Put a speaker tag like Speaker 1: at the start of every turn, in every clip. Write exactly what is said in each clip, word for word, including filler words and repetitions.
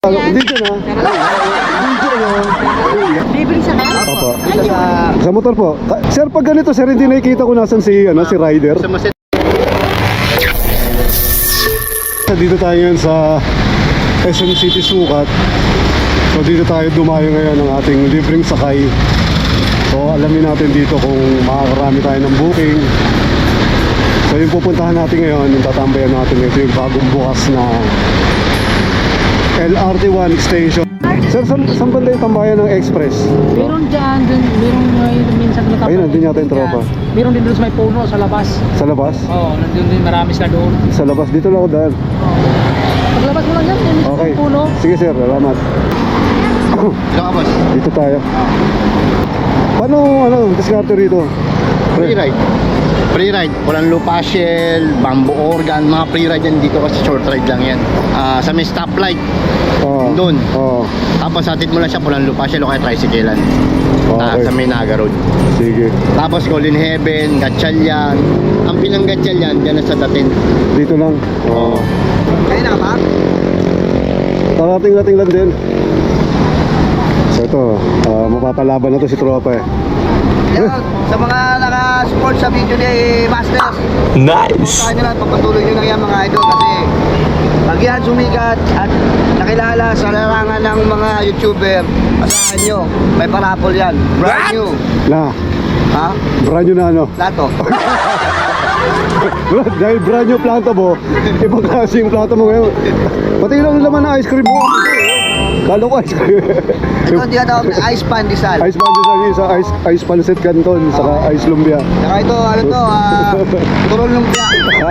Speaker 1: Dito na. Dito na.
Speaker 2: Libre sa kan?
Speaker 1: Opo.
Speaker 3: Dito sa...
Speaker 1: Sa motor po. Ka- Sir, pag ganito, sir, hindi nakikita ko nasan si, ano, si rider.
Speaker 3: Sa maset.
Speaker 1: Dito tayo ngayon sa S M City Sukat. So dito tayo dumayo ngayon ng ating libreng sakay. So alamin natin dito kung makakarami tayo ng booking. So yung pupuntahan natin ngayon, yung tatambayan natin ito yung bagong bukas na L R T one station. Sir, saan, saan banda yung tambayan ng Express?
Speaker 2: Meron dyan, dun, meron uh, minsan na
Speaker 1: Ayun, nandun yata yung tropa.
Speaker 2: Meron din doon sa may puno, sa labas.
Speaker 1: Sa labas?
Speaker 2: Oo, nandun din marami sila doon.
Speaker 1: Sa labas, dito lang ako daan.
Speaker 2: Paglabas mo lang yan, yun
Speaker 1: Okay.
Speaker 2: sa puno.
Speaker 1: Sige sir, salamat.
Speaker 3: Dito ka, boss.
Speaker 1: Dito tayo. Paano, ano, diskarte rito?
Speaker 3: Free ride. Free ride. Walang lupa shell, bamboo organ, mga free ride yan dito kasi short ride lang yan. Ah, sa may stoplight,
Speaker 1: Oo.
Speaker 3: doon.
Speaker 1: Oo.
Speaker 3: Tapos hatid mo lang siya, walang lupa shell o kaya tricyclean. Ah,
Speaker 1: Okay.
Speaker 3: sa may Naga Road.
Speaker 1: Sige.
Speaker 3: Tapos Golden Heaven, Gatchalian. Ang pinang Gatchalian, dyan na sa datin.
Speaker 1: Dito lang. Oo.
Speaker 3: Kaya na ba?
Speaker 1: Tarating-rating lang din. So ito, ah, mapapalaban na to si tropa eh.
Speaker 4: Yan, sa mga naka-support sa video ni Masters.
Speaker 1: Nice!
Speaker 4: Sa nyo lang, pagpatuloy nyo lang yan mga idol kasi pag yan sumikat at nakilala sa larangan ng mga YouTuber, asahan nyo, may parapol yan. Brand new.
Speaker 1: Na,
Speaker 4: Ha?
Speaker 1: brand new na ano.
Speaker 4: Lato.
Speaker 1: Dahil brand new planta mo, ibang klase yung planta mo ngayon. Pati lang naman na ice cream mo. Kala ko ice cream.
Speaker 4: Ito hindi na ice pandesal.
Speaker 1: Ice pandesal, isa ice, ice pancit canton, saka ice lumbia.
Speaker 4: Saka ito, ano to, ah, turol lumpia.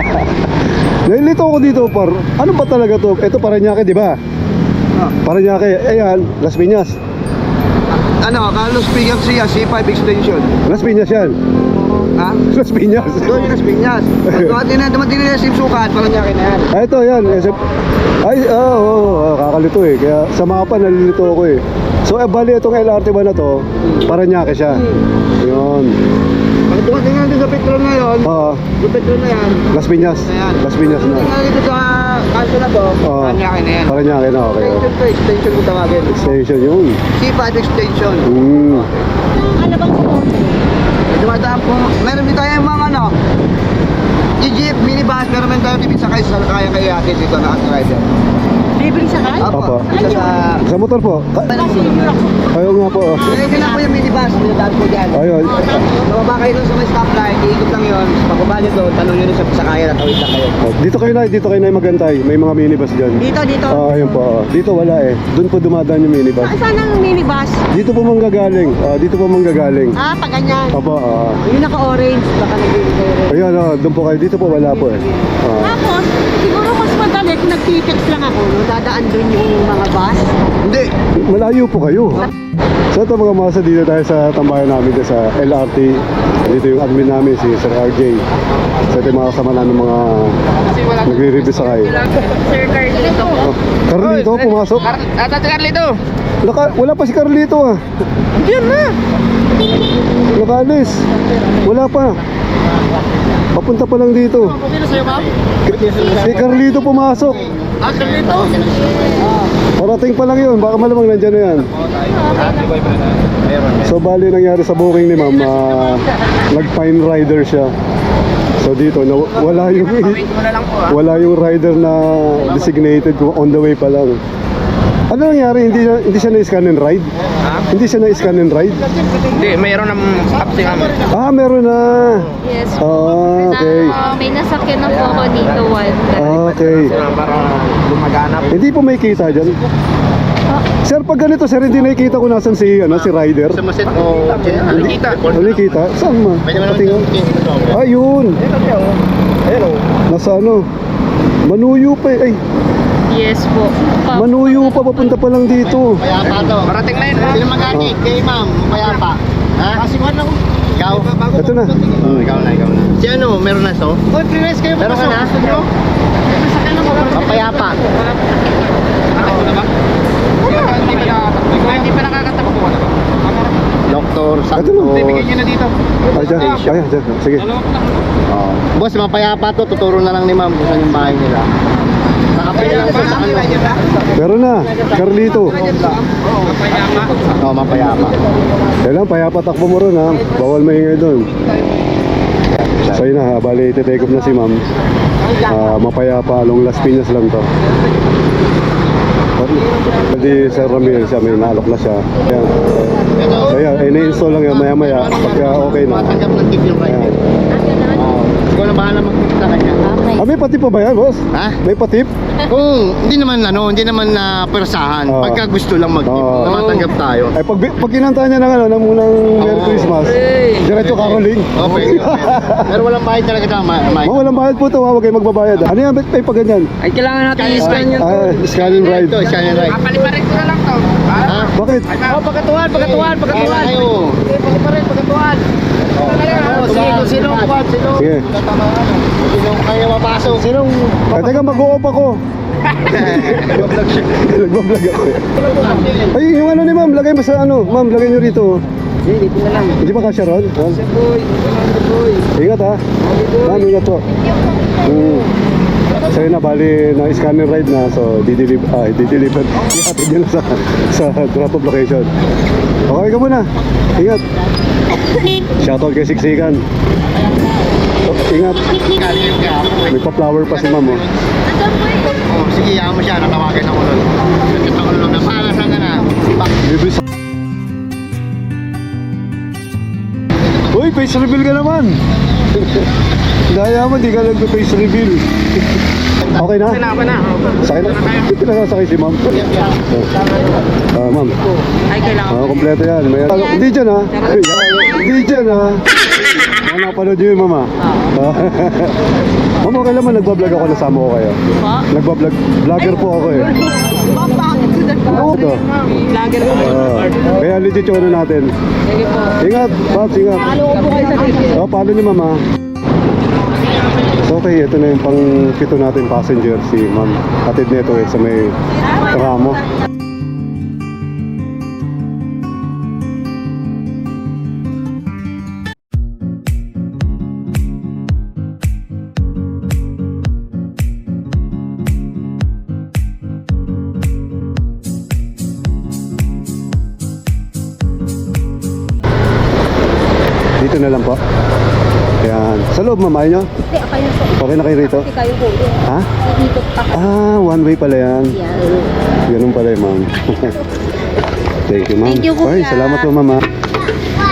Speaker 1: Nailito ako dito par. Ano ba talaga to? Ito Parañaque, di ba?
Speaker 4: Ah.
Speaker 1: Parañaque, ayan, Las Piñas.
Speaker 4: Ano, Carlos P. Garcia, C five extension.
Speaker 1: Las Piñas yan.
Speaker 4: Ha?
Speaker 1: Las Piñas.
Speaker 4: Doon yung Las Piñas. Dumating na, dumating na yung sukat, parang niya na yan.
Speaker 1: Ah, ito yan. S M... Ay, oo, oh, oh, oh, kakalito eh. Kaya sa mapa nalilito ako eh. So, eh, bali itong L R T ba na to? Parañaque siya. Yun.
Speaker 4: Pag dumating na dito sa Petron ngayon,
Speaker 1: Oo.
Speaker 4: yung Petron na yan,
Speaker 1: Las Piñas.
Speaker 4: Ayan.
Speaker 1: Las Piñas na.
Speaker 4: Tingnan dito sa kanto na to,
Speaker 1: Oo.
Speaker 4: Parañaque na yan.
Speaker 1: Parañaque na, okay.
Speaker 4: Extension to, extension ko tawagin.
Speaker 1: Station yun.
Speaker 4: C five extension.
Speaker 1: Hmm.
Speaker 2: Ano bang ito?
Speaker 4: Dumadaan po, meron din tayo mga ano, Jeep, minibus, meron din tayo dito sa kayo sa kaya kaya atin dito na at rider.
Speaker 2: Libre sa kan?
Speaker 1: Opo.
Speaker 4: Dito sa...
Speaker 1: Sa motor po. Ka-
Speaker 2: Senior ako.
Speaker 1: Ayaw nga po. oh.
Speaker 4: Pwede lang po yung minibus, dinadaan po dyan.
Speaker 1: Ayun.
Speaker 4: Bababa kayo dun sa may stoplight, iikot lang yun. Pagkaba nyo doon, tanong nyo dun sa sakaya na tawid lang kayo.
Speaker 1: Dito kayo na, dito kayo na magantay. May mga minibus dyan.
Speaker 2: Dito, dito.
Speaker 1: Ah, ayun po. oh. Dito wala eh. Doon po dumadaan yung minibus.
Speaker 2: Saan saan ang minibus?
Speaker 1: Dito po manggagaling. Ah, dito po manggagaling.
Speaker 2: Ah, pag ganyan.
Speaker 1: Opo, ah.
Speaker 2: Yung naka-orange, baka nagbibigay rin.
Speaker 1: Ayun, ah, doon po kayo. Dito po wala po eh. Ah.
Speaker 2: Tapos, siguro mas madali kung nag-text lang ako, no? Dadaan doon yung mga bus.
Speaker 4: Hindi!
Speaker 1: Malayo po kayo. So ito mga masa, dito tayo sa tambayan namin dito sa L R T. Dito yung admin namin, si Sir R J. So ito yung mga kasama namin mga nagre-review sa kayo.
Speaker 2: Sir Carlito.
Speaker 1: Oh, Carlito, pumasok.
Speaker 2: Ata si Carlito.
Speaker 1: Naka, wala pa si Carlito ah.
Speaker 2: Diyan na.
Speaker 1: Nakalis. Wala pa. Papunta pa lang dito.
Speaker 2: Sino sa'yo, ma'am?
Speaker 1: Si Carlito pumasok.
Speaker 2: Ah, Carlito.
Speaker 1: Parating pa lang yun. Baka malamang nandyan na yan. So bali nangyari sa booking ni ma'am, ah, nag-fine rider siya. So dito na wala yung wala yung rider na designated kung on the way pa lang. Ano nangyari? Hindi na, hindi siya na-scan and ride? Hindi siya na-scan and ride?
Speaker 5: Hindi, mayroon ng upsi namin.
Speaker 1: Ah, meron na.
Speaker 6: Yes.
Speaker 1: Ah, okay.
Speaker 6: Na, may nasakyan na po ako dito one.
Speaker 1: Ah, okay.
Speaker 5: Para lumaganap.
Speaker 1: Hindi po may kita dyan. Sir, pag ganito, sir, hindi nakikita ko nasan si, ano, si rider.
Speaker 3: Sa maset. Oo.
Speaker 5: Nakikita.
Speaker 1: Hindi kita? Saan ma?
Speaker 3: Pwede mo
Speaker 1: Patingin.
Speaker 3: naman.
Speaker 1: Ayun.
Speaker 5: Ayun o.
Speaker 1: Nasa ano? Manuyo pa eh. Ay,
Speaker 6: Yes po. Pa-
Speaker 1: Manuyo pa, papunta pa lang dito.
Speaker 3: Payapa to.
Speaker 5: Parating na yun.
Speaker 3: Sino mag-anik? Kay ma'am, payapa. Ha?
Speaker 5: Kasiwan ako.
Speaker 3: Ikaw?
Speaker 1: Ito na.
Speaker 3: Oo, ikaw na, ikaw na. Si ano, meron na so?
Speaker 5: Uy, pre-race kayo.
Speaker 3: Meron ka na? Papayapa.
Speaker 5: Nakatakbo na ba? Hindi pa nakakatakbo. Hindi pa nakakatakbo ko na ba?
Speaker 3: Doktor
Speaker 1: Ito na.
Speaker 3: Santos.
Speaker 5: Bigyan nyo na dito.
Speaker 1: Ay, dyan. Ayan, dyan. Sige.
Speaker 5: Dalawa ko lang.
Speaker 3: Oo. Boss, mapayapa to. Tuturo na lang ni ma'am kung saan yung bahay nila. Saka
Speaker 1: Meron na, Carlito.
Speaker 5: Mapayama.
Speaker 3: Oo, mapayapa.
Speaker 1: Kailan, payapa takbo mo ron ha. Bawal maingay doon. So yun na, bali iti-take off na si ma'am. Ah, mapayapa, along Las Piñas lang to. Hindi Sir Ramil siya, may naalok na siya. Ayan. So yan, eh, na-install lang yan maya maya. Pagka okay na.
Speaker 3: Matanggap ng tip yung rider.
Speaker 1: Ayan.
Speaker 3: Oo. Ikaw na bahala mag-tip sa kanya.
Speaker 1: Ah, may patip pa ba yan, boss?
Speaker 3: Ha?
Speaker 1: May patip?
Speaker 3: Kung hindi naman ano, hindi naman na persahan.
Speaker 1: Oo.
Speaker 3: Pagka gusto lang mag-tip,
Speaker 1: Oo.
Speaker 3: matanggap tayo.
Speaker 1: Eh, pag, pag kinanta niya ng ano, ng munang Merry
Speaker 3: Oo.
Speaker 1: Christmas, diretso caroling.
Speaker 3: Okay. Pero walang bayad talaga tama, Mike.
Speaker 1: Oh, walang bayad po ito, ha? Huwag kayo magbabayad. Ano yan, ba't may pag ganyan?
Speaker 5: Ay, kailangan natin i-scan yun.
Speaker 1: Ah, scan and ride.
Speaker 3: Ito, siya yung ride.
Speaker 5: Papaliparin ko na lang to.
Speaker 3: Ha?
Speaker 1: Bakit?
Speaker 5: Oh, pagkatuan, pagkatuan, pagkatuan.
Speaker 3: Kayo.
Speaker 5: Paliparin, pagkatuan.
Speaker 3: Oo, sige, kung sino ang kuwan, sino?
Speaker 1: Sige.
Speaker 3: Sino kaya mapasok? Sinong?
Speaker 1: Ay, teka, mag-o-off ako.
Speaker 3: Nag-vlog siya.
Speaker 1: Nagbablog ako. Ay, yung ano ni ma'am, lagay mo sa ano. Ma'am, lagay nyo rito.
Speaker 5: Hindi, dito na lang.
Speaker 1: Hindi ba kasya ron? Ha?
Speaker 5: Boy, boy.
Speaker 1: Ingat ha. Ma'am, ingat po. Hmm. So yun na, bali na scanner ride na. So, di-deliver, ah, di-deliver. Ihatid nyo na sa, sa drop off location. Okay ka muna. Ingat. Shoutout kay Siksikan. So, ingat.
Speaker 3: Kali yung gap.
Speaker 1: May pa-flower pa si ma'am oh.
Speaker 3: Oh, sige, yaman mo siya, natawagan ako nun. Nagkita ko nun, napalas lang ka na. Bak-
Speaker 1: Libre sa... Uy, face reveal ka naman! Daya mo, di ka nag-face reveal. Okay na?
Speaker 5: Okay na, okay na.
Speaker 1: Sakay na? Dito na sasakay si ma'am. Ah, ma'am.
Speaker 5: Ay, kailangan.
Speaker 1: Ah, kompleto yan. May... Hindi dyan ha. Hindi dyan ha. Ano napanood yun, mama? Ah. Ma'am, okay naman, nagbablog ako, nasama ko kayo. Nagbablog, vlogger po ako eh. Oo to.
Speaker 5: Vlogger ko.
Speaker 1: Ah, kaya legit yung ano natin.
Speaker 5: Sige po.
Speaker 1: Ingat, Pops, ingat.
Speaker 5: Ano ko po kayo sa video?
Speaker 1: Oh, paano ni mama? So okay, ito na yung pang pito natin passenger, si ma'am. Atid nito eh, sa may tramo. Dito na lang po. Yan. Sa loob, ma'am, ayaw nyo?
Speaker 6: Hindi, kayo po.
Speaker 1: Okay na kayo rito?
Speaker 6: Kasi kayo po.
Speaker 1: Ha?
Speaker 6: Ikot pa.
Speaker 1: Ah, one way pala yan.
Speaker 6: Yan.
Speaker 1: Ganun pala eh, ma'am. Thank you, ma'am.
Speaker 6: Thank you, kuya.
Speaker 1: Ay, salamat po, ma'am. ah.